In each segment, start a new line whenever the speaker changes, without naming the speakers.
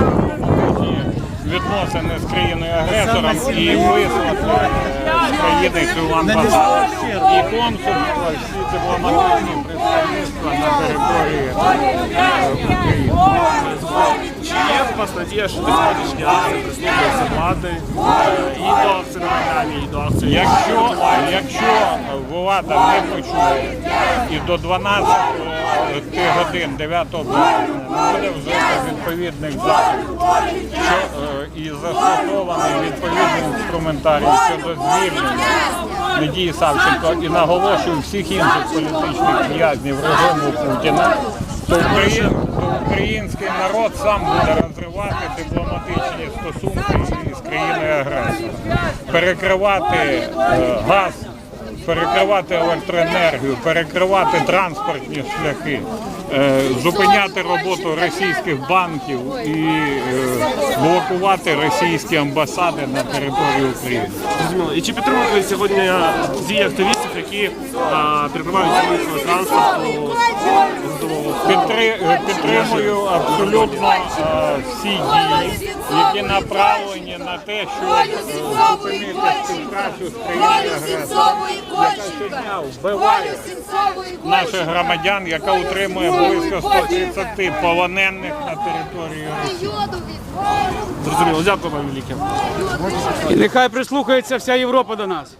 відносини з країною-агресором і вислати з країни цю амбасаду і консульство, всі дипломатичні представництва на території України.
Чи є в вас надія, що сьогоднішня акція прислухається влади і до акції на Майдані, і до акції?
Якщо влада не почує і до 12 годин 9 березня не буде вжито відповідних заходів і застосований відповідний інструментарій щодо звільнення Надії Савченко і наголошую всіх інших політичних в'язнів режиму Путіна, то український народ сам буде розривати дипломатичні стосунки з країною-агресором, перекривати газ, перекривати електроенергію, перекривати транспортні шляхи, зупиняти роботу російських банків і блокувати російські амбасади на території України.
І чи підтримуєте сьогодні дії активістів, які перекривають вулицю транспорту?
Підтримую абсолютно всі дії, які направлені на те, щоб зупинити співпрацю з країною-агресором, яка щодня вбиває наших громадян, яка утримує близько 130 полонених на території Росії.
Зрозуміло, дякую вам велике.
І нехай прислухається вся Європа до нас.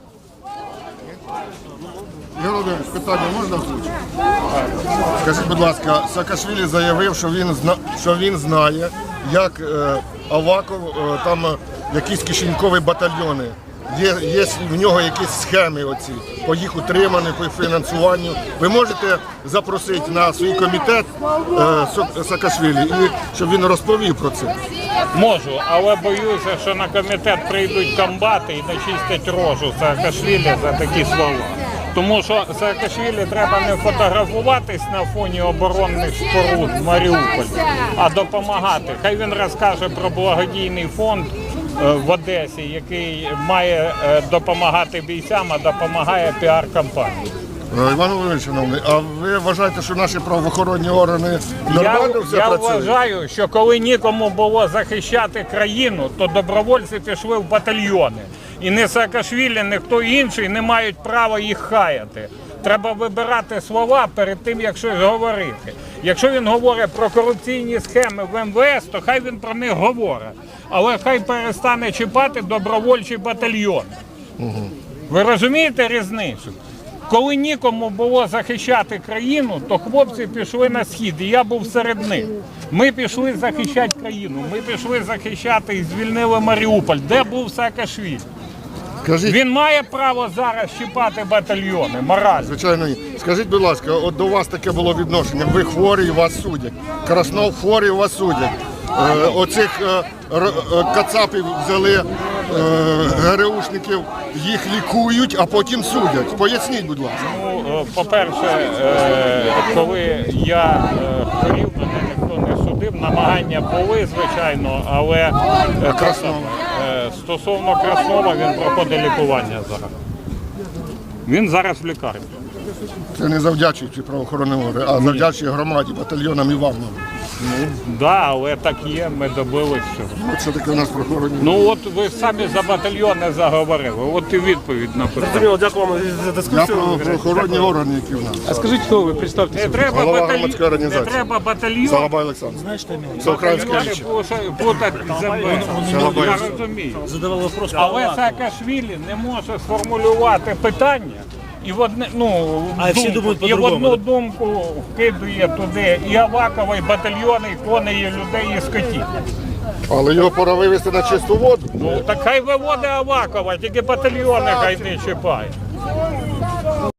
Ігор Володимирович, питання можна озвучити? Скажіть, будь ласка, Саакашвілі заявив, що він знає, як Аваков, там якісь кишенькові батальйони. Є в нього якісь схеми оці, по їх утриманню, по фінансуванню. Ви можете запросити на свій комітет Саакашвілі, щоб він розповів про це?
Можу, але боюся, що на комітет прийдуть комбати і начистять рожу Саакашвілі за такі слова. Тому що Саакашвілі треба не фотографуватись на фоні оборонних споруд в Маріуполі, а допомагати. Хай він розкаже про благодійний фонд в Одесі, який має допомагати бійцям, а допомагає піар-кампанії.
Іван Володимирович, а ви вважаєте, що наші правоохоронні органи нормально все
Я
працюють?
вважаю, що коли нікому було захищати країну, то добровольці пішли в батальйони. І не Саакашвілі, ні хто інший не мають права їх хаяти. Треба вибирати слова перед тим, як щось говорити. Якщо він говорить про корупційні схеми в МВС, то хай він про них говорить. Але хай перестане чіпати добровольчі батальйони. Ви розумієте різницю? Коли нікому було захищати країну, то хлопці пішли на схід, і я був серед них. Ми пішли захищати країну, ми пішли захищати і звільнили Маріуполь. Де був Саакашвілі? Він має право зараз чіпати батальйони, морально?
Звичайно, ні. Скажіть, будь ласка, от до вас таке було відношення, ви хворі, вас судять. Краснов хворі, вас судять. Оцих кацапів взяли, ГРУшників, їх лікують, а потім судять. Поясніть, будь ласка.
Ну, по-перше, коли я хворів, мене ніхто не судив. Намагання були, звичайно, але стосовно Краснова, він проходить лікування зараз. Він зараз в лікарні.
Це не завдячуючи правоохоронним органам, а завдячуючи громаді, батальйонам і вам.
Ну, да, але так є, ми добились цього.
Це таке у нас правоохоронні.
Ну от ви самі за батальйони заговорили, от і відповідь на питання.
Зрозуміло, дякую вам за
Я
дискусію.
про правоохоронні органи, які в нас.
А скажіть, хто ви? Представтеся.
Голова громадської організації.
Не треба батальйон.
Салабай Олександр. Всеукраїнський лічі.
Плутати землю. Я розумію. Але Саакашвілі не може сформулювати питання. І в одну думку вкидує туди і Авакова, і батальйони, і коней, і людей, і скотів.
Але його пора вивести на чисту воду.
Ну так хай виводить Авакова, тільки батальйони хай не чіпає.